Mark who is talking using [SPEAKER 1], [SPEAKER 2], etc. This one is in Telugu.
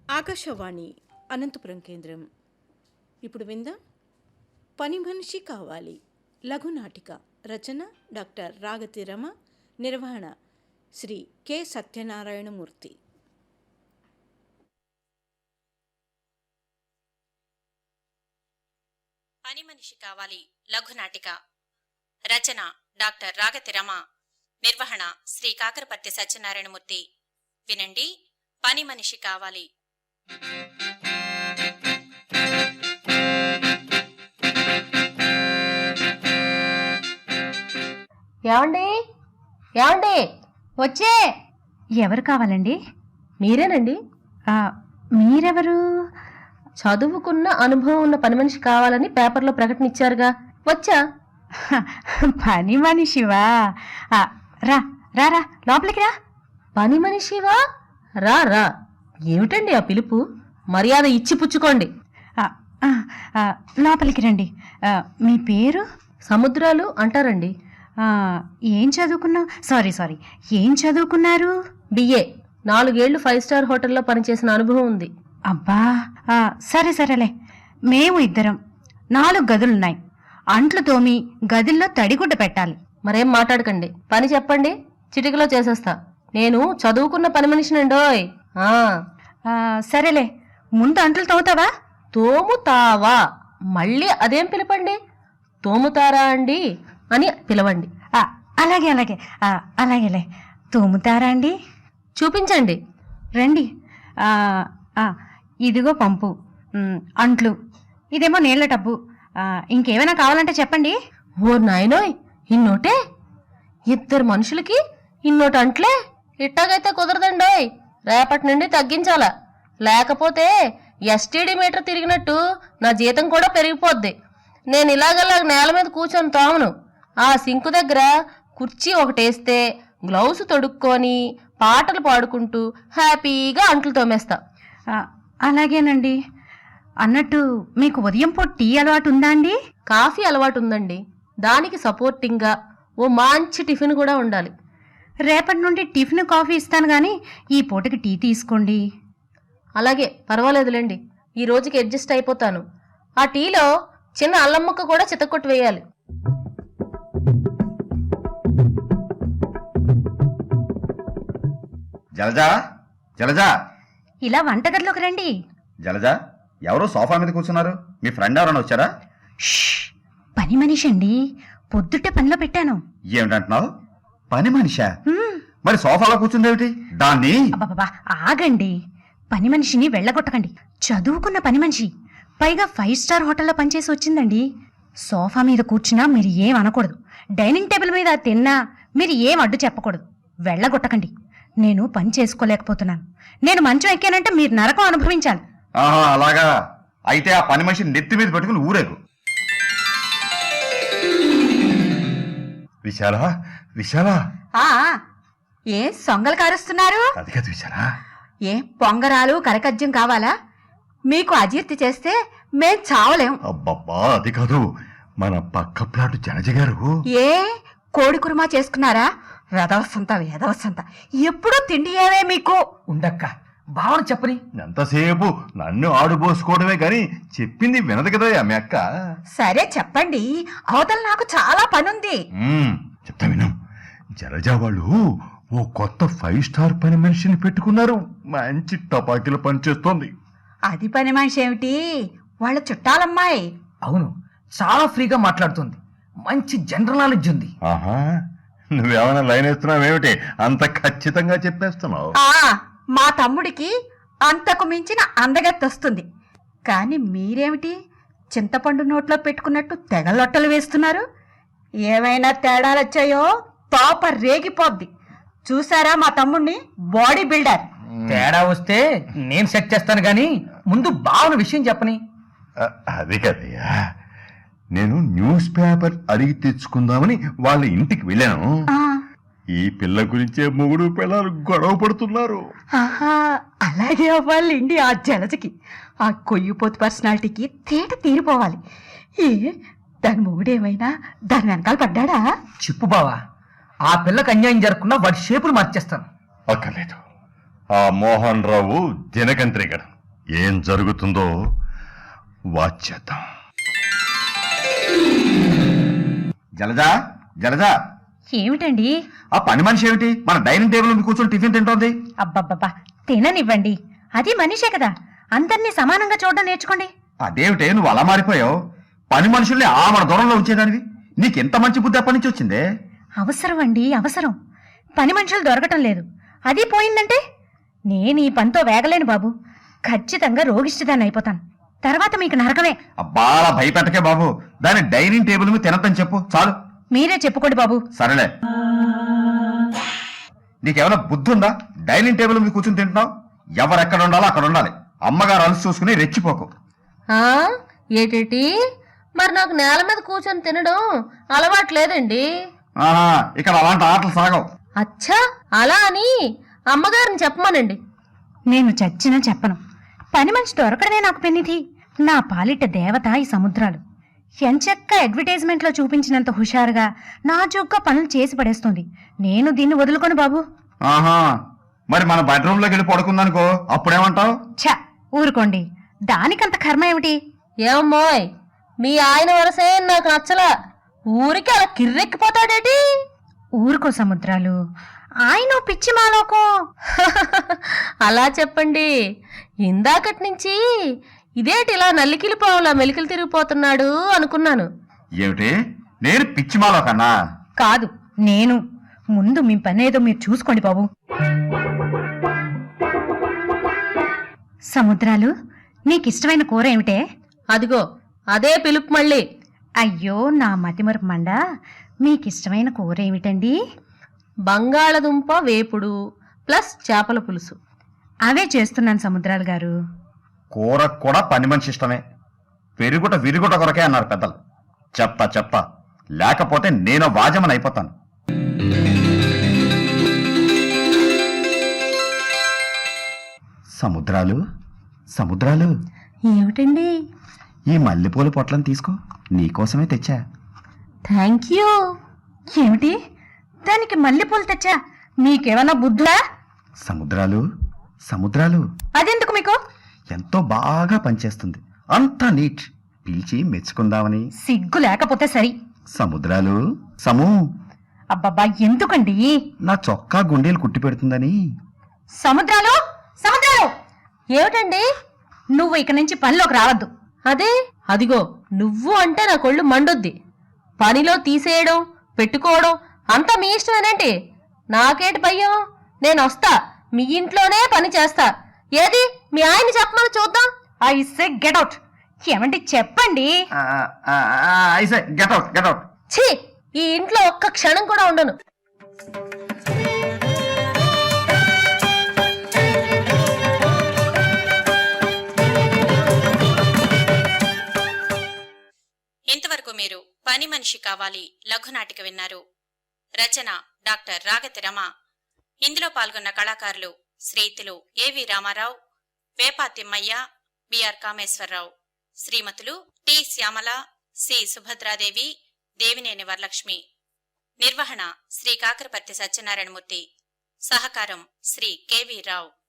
[SPEAKER 1] ఆకాశవాణి అనంతపురం కేంద్రం. ఇప్పుడు విందాం పని మనిషి కావాలి లఘునాటిక. రచన డాక్టర్ రాగతి రమ. నిర్వహణ శ్రీ కె సత్యనారాయణమూర్తి.
[SPEAKER 2] పని మనిషి కావాలి లఘునాటిక. రచన డాక్టర్ రాగతి రమ. నిర్వహణ శ్రీ కాకరపర్తి సత్యనారాయణమూర్తి. వినండి, పని మనిషి కావాలి.
[SPEAKER 3] ఏమండి ఏమండి వచ్చే.
[SPEAKER 4] ఎవరు కావాలండి?
[SPEAKER 3] మీరేనండి?
[SPEAKER 4] మీరెవరు?
[SPEAKER 3] చదువుకున్న అనుభవం ఉన్న పని మనిషి కావాలని పేపర్లో ప్రకటన ఇచ్చారుగా, వచ్చా.
[SPEAKER 4] పని మనిషివా? రా రా రా, లోపలికి రా.
[SPEAKER 3] పని మనిషివా? రా రా. ఏమిటండి ఆ పిలుపు? మర్యాద ఇచ్చి పుచ్చుకోండి.
[SPEAKER 4] లోపలికి రండి. మీ పేరు?
[SPEAKER 3] సముద్రాలు అంటారండి.
[SPEAKER 4] ఏం చదువుకున్నావు? సారీ ఏం చదువుకున్నారు?
[SPEAKER 3] బిఏ. 4 ఏళ్లు 5 స్టార్ హోటల్లో పనిచేసిన అనుభవం ఉంది.
[SPEAKER 4] అబ్బా, సరేలే. మేము ఇద్దరం 4 గదులున్నాయి. అంట్లు తోమి గదిల్లో తడిగుడ్డ పెట్టాలి.
[SPEAKER 3] మరేం మాట్లాడకండి, పని చెప్పండి, చిటికలో చేసేస్తా. నేను చదువుకున్న పని మనిషినండోయ్.
[SPEAKER 4] సరేలే, ముందు అంట్లు తోముతావా?
[SPEAKER 3] తోముతావా? మళ్ళీ అదేం పిలపండి. తోముతారా అండి అని పిలవండి.
[SPEAKER 4] అలాగేలే. తోముతారా అండి?
[SPEAKER 3] చూపించండి.
[SPEAKER 4] రండి. ఇదిగో పంపు, అంట్లు, ఇదేమో నీళ్ల టబ్బు. ఇంకేమైనా కావాలంటే చెప్పండి.
[SPEAKER 3] ఓ నాయనోయ్, ఇన్నోటే? 2 మనుషులకి ఇన్నోటి అంట్లే? ఇట్టాగైతే కుదరదండోయ్. రేపటి నుండి తగ్గించాలా, లేకపోతే ఎస్టీడీ మీటర్ తిరిగినట్టు నా జీతం కూడా పెరిగిపోద్ది. నేను ఇలాగలా నేల మీద కూర్చొని తోమను. ఆ సింకు దగ్గర కుర్చీ ఒకటేస్తే గ్లౌస్ తొడుక్కొని పాటలు పాడుకుంటూ హ్యాపీగా అంట్లు తోమేస్తా.
[SPEAKER 4] అలాగేనండి. అన్నట్టు మీకు ఉదయం పూట టీ అలవాటు ఉందా అండి?
[SPEAKER 3] కాఫీ అలవాటు ఉందండి. దానికి సపోర్టింగ్గా ఓ మంచి టిఫిన్ కూడా ఉండాలి.
[SPEAKER 4] రేపటి నుండి టిఫిన్ కాఫీ ఇస్తాను కానీ ఈ పూటకి టీ తీసుకోండి.
[SPEAKER 3] అలాగే, పర్వాలేదులేండి. ఈ రోజుకి అడ్జస్ట్ అయిపోతాను. ఆ టీలో చిన్న అల్లం ముక్క కూడా చితక్కొట్టు వేయాలి.
[SPEAKER 5] జలజా, జలజా,
[SPEAKER 4] ఇలా వంటగదిలోకి రండి.
[SPEAKER 5] జలజా, ఎవరో సోఫా మీద కూర్చున్నారు? మీ ఫ్రెండ్ ఎవరైనా వచ్చారా?
[SPEAKER 4] పని మనిషి అండి, పొద్దుటే పనిలో పెట్టాను.
[SPEAKER 5] ఏమిటంటున్నావు? పని మనిషా? మరి సోఫాలో కూర్చుందేమిటి? దాన్ని
[SPEAKER 4] అబ్బబ్బా, ఆగండి. పని మనిషిని వెళ్ళగొట్టకండి. చదువుకున్న పని మనిషి, పైగా 5 స్టార్ హోటల్లో పనిచేసి వచ్చిందండి. సోఫా మీద కూర్చున్నా మీరు ఏం అనకూడదు. డైనింగ్ టేబుల్ మీద తిన్నా మీరు ఏం అడ్డు చెప్పకూడదు. వెళ్ళగొట్టకండి. నేను పని చేసుకోలేకపోతున్నాను. నేను మంచం ఎక్కానంటే మీరు నరకం అనుభవించాలి.
[SPEAKER 5] అలాగా? అయితే ఆ పని మనిషిని నెత్తి మీద పెట్టుకుని ఊరేగు. విశాలా, విశాలా.
[SPEAKER 4] ఏ సొంగలు కారుస్తున్నారు?
[SPEAKER 5] అది కాదు విశాలా.
[SPEAKER 4] ఏ పొంగరాలు కరకజ్జం కావాలా? మీకు అజీర్తి చేస్తే మేం చావలేం.
[SPEAKER 5] అబ్బబ్బా, అది కాదు. మన పక్క ప్లాటు జలజ గారు.
[SPEAKER 4] ఏ కోడి కుర్మా చేసుకున్నారా? వెదవసంత ఎప్పుడూ తిండి ఏవే మీకు?
[SPEAKER 6] ఉండక్క, భావన చెప్పని.
[SPEAKER 5] ఎంతసేపు నన్ను ఆడుబోసుకోవడమే గాని చెప్పింది వినదు కదా మీ అక్క.
[SPEAKER 4] సరే చెప్పండి, అవతల నాకు చాలా పనుంది.
[SPEAKER 5] చెప్తా విను. జలజా వాళ్ళు ఓ కొత్త 5 స్టార్ పని మనిషిని పెట్టుకున్నారు. మంచి టపాకీలు పనిచేస్తోంది.
[SPEAKER 4] అది పని మనిషి ఏమిటి? వాళ్ళ చుట్టాలమ్మాయి.
[SPEAKER 6] అవును, చాలా ఫ్రీగా మాట్లాడుతుంది. మంచి జనరల్ నాలెడ్జ్ ఉంది.
[SPEAKER 5] ఆహా, నువ్వేమైనా లైన్ వేస్తున్నావేమిటి? అంత ఖచ్చితంగా చెప్పేస్తున్నావు.
[SPEAKER 4] మా తమ్ముడికి అంతకు మించిన అందగత్తి వస్తుంది. కానీ మీరేమిటి చింతపండు నోట్లో పెట్టుకున్నట్టు తెగలొట్టలు వేస్తున్నారు? ఏమైనా తేడాలొచ్చాయో తోప రేగిపోద్ది. చూసారా మా తమ్ముడిని? Body builder.
[SPEAKER 6] తేడా వస్తే నేను సెట్ చేస్తాను గాని ముందు భావన విషయం చెప్పని.
[SPEAKER 5] అది కదయ్యా, నేను న్యూస్ పేపర్ అడిగి తెచ్చుకుందామని వాళ్ళ ఇంటికి వెళ్ళాను. ఈ పిల్ల గురించే మొగుడు పిల్లలు గొడవ పడుతున్నారు.
[SPEAKER 4] అలాగే అవ్వాలండి ఆ జలజకి. ఆ కొయ్యిపోతు పర్సనాలిటీకి తేట తీరిపోవాలి. దాని మొగుడేమైనా దాని వెనకాల పడ్డాడా?
[SPEAKER 6] చెప్పు బావా, ఆ పిల్లకి అన్యాయం జరగకుండా వాడి షేపులు మార్చేస్తాను.
[SPEAKER 5] అక్కర్లేదు. ఆ మోహన్ రావు దినకంత్రికడు ఏం జరుగుతుందో వాచేద్దాం. జలజా, జలజా,
[SPEAKER 4] ఏమిటండి?
[SPEAKER 5] ఆ పని మనిషి ఏమిటి మన డైనింగ్ టేబుల్ మీద కూర్చొని టిఫిన్ తింటోంది?
[SPEAKER 4] అబ్బబ్బబ్బా, తిననివ్వండి. అది మనిషే కదా, అందరినీ సమానంగా చూడడం నేర్చుకోండి.
[SPEAKER 5] అదేమిటే నువ్వు అలా మారిపోయావు? పని మనుషుల్ని ఆ మన దూరంలో ఉంచేదానివి. నీకెంత మంచి బుద్ధి ఎప్పటి నుంచి వచ్చిందే?
[SPEAKER 4] అవసరం అండి, అవసరం. పని మనుషులు దొరకటం లేదు, అది పోయిందంటే నేను ఈ పనితో వేగలేను బాబు. ఖచ్చితంగా రోగిష్టిదాన్ని అయిపోతాను. తర్వాత మీకు నరకమే.
[SPEAKER 5] అబ్బా అలా భయపెట్టకే బాబు. దాని డైనింగ్ టేబుల్ మీద తినద్దని చెప్పు చాలు.
[SPEAKER 4] మీరే చెప్పుకోండి బాబు.
[SPEAKER 5] సరేలే. నీకేమైనా బుద్ధి ఉందా? డైనింగ్ టేబుల్ మీద కూర్చొని తింటున్నావు. ఎవరెక్కడ ఉండాలో అక్కడ ఉండాలి. అమ్మగారు అలసి చూసుకుని రెచ్చిపోకు.
[SPEAKER 3] ఆ ఏటేటి? మరి నాకు నేల మీద కూర్చొని తినడం అలవాటు లేదండి.
[SPEAKER 5] ఆహా, ఇక్కడ అలాంటి ఆటలు సాగవు.
[SPEAKER 3] అచ్చా, అలా అని అమ్మగారిని చెప్పమనండి.
[SPEAKER 4] నేను చచ్చినా చెప్పను. పని మనిషి దొరకడమే నాకు పెన్నిధి. నా పాలిట దేవత ఈ సముద్రాలు. ఎంచక్క అడ్వర్టైజ్మెంట్లో చూపించినంత హుషారుగా నాజూగ్గా పనులు చేసి పడేస్తుంది. నేను దీన్ని వదులుకోను బాబు.
[SPEAKER 5] ఆహా, మరి మన బెడ్రూమ్ లోకి వెళ్ళి పడుకుందనుకో, అప్పుడేమంటావు?
[SPEAKER 4] ఛ, ఊరుకోండి. దానికంత కర్మ ఏమిటి?
[SPEAKER 3] ఏమమ్మోయ్, మీ ఆయన వరసే నాకు నచ్చలా. ఊరికి అలా కిర్రెక్కిపోతాడేటి?
[SPEAKER 4] ఊరుకో సముద్రాలు, ఆయన పిచ్చి మాలోకం.
[SPEAKER 3] అలా చెప్పండి. ఇందాకటి నుంచి ఇదేటి ఇలా నల్లికిలి పావులా మెలికలు తిరిగిపోతున్నాడు అనుకున్నాను.
[SPEAKER 5] ఏమిటి? నేను పిచ్చిమాలో కన్నా?
[SPEAKER 4] కాదు, నేను. ముందు మీ పనేదో మీరు చూసుకోండి బాబు. సముద్రాలు, నీకిష్టమైన కూర ఏమిటే?
[SPEAKER 3] అదిగో అదే పిలుపు మళ్ళీ.
[SPEAKER 4] అయ్యో నా మతిమరుపు మండ. మీకిష్టమైన కూర ఏమిటండి?
[SPEAKER 3] బంగాళదుంప వేపుడు ప్లస్ చేపల పులుసు.
[SPEAKER 4] అవే చేస్తున్నాను సముద్రాలు గారు.
[SPEAKER 5] కూర కూడా పని మనిషి ఇష్టమే. పెరుగుట విరుగుట కొరకే అన్నారు పెద్దలు. చెప్తా లేకపోతే నేను వాజమని అయిపోతాను. సముద్రాలు, సముద్రాలు,
[SPEAKER 3] ఏమిటండి?
[SPEAKER 5] ఈ మల్లెపూల పొట్లను తీసుకో, నీకోసమే తెచ్చా.
[SPEAKER 3] Thank you.
[SPEAKER 4] ఏమిటి? దానికి మల్లెపూలు తెచ్చా? మీకేమన్నా బుద్ధులా?
[SPEAKER 5] సముద్రాలు, సముద్రాలు,
[SPEAKER 4] అదెందుకు మీకు?
[SPEAKER 5] ఎంతో బాగా పనిచేస్తుంది. అంతా నీట్. పిలిచి మెచ్చుకుందామని.
[SPEAKER 4] సిగ్గు లేకపోతే సరి.
[SPEAKER 5] సముద్రాలు, సమూ,
[SPEAKER 4] అబ్బబ్బా, ఎందుకండి?
[SPEAKER 5] నా చొక్కా గుండెలు కుట్టి పెడుతుందని.
[SPEAKER 4] సముద్రాలు, సముద్రాలు,
[SPEAKER 3] ఏమిటండి?
[SPEAKER 4] నువ్వు ఇక నుంచి పనిలోకి రావద్దు.
[SPEAKER 3] అదే, అదిగో నువ్వు అంటే నా కొళ్ళు మండొద్ది. పనిలో తీసేయడం పెట్టుకోవడం అంతా మీ ఇష్టమేనేంటి? నాకేటి భయం? నేనొస్తా, మీ ఇంట్లోనే పని చేస్తా. ఏది మీ ఆయన్ని చెప్పమని చూద్దాం.
[SPEAKER 4] I say get out. ఏమండి చెప్పండి.
[SPEAKER 5] I say get out, get out.
[SPEAKER 3] ఛీ, ఈ ఇంట్లో ఒక్క క్షణం కూడా ఉండను.
[SPEAKER 2] ఇంతవరకు మీరు పని మనిషి కావాలి లఘునాటిక విన్నారు. రచన డాక్టర్ రాగతి రమ. ఇందులో పాల్గొన్న కళాకారులు శ్రీతులు ఏవి రామారావు, వేపా తిమ్మయ్య, బిఆర్ కామేశ్వరరావు, శ్రీమతులు టి శ్యామల, సి సుభద్రాదేవి, దేవినేని వరలక్ష్మి. నిర్వహణ శ్రీ కాకరపర్తి సత్యనారాయణమూర్తి. సహకారం శ్రీ కెవి రావు.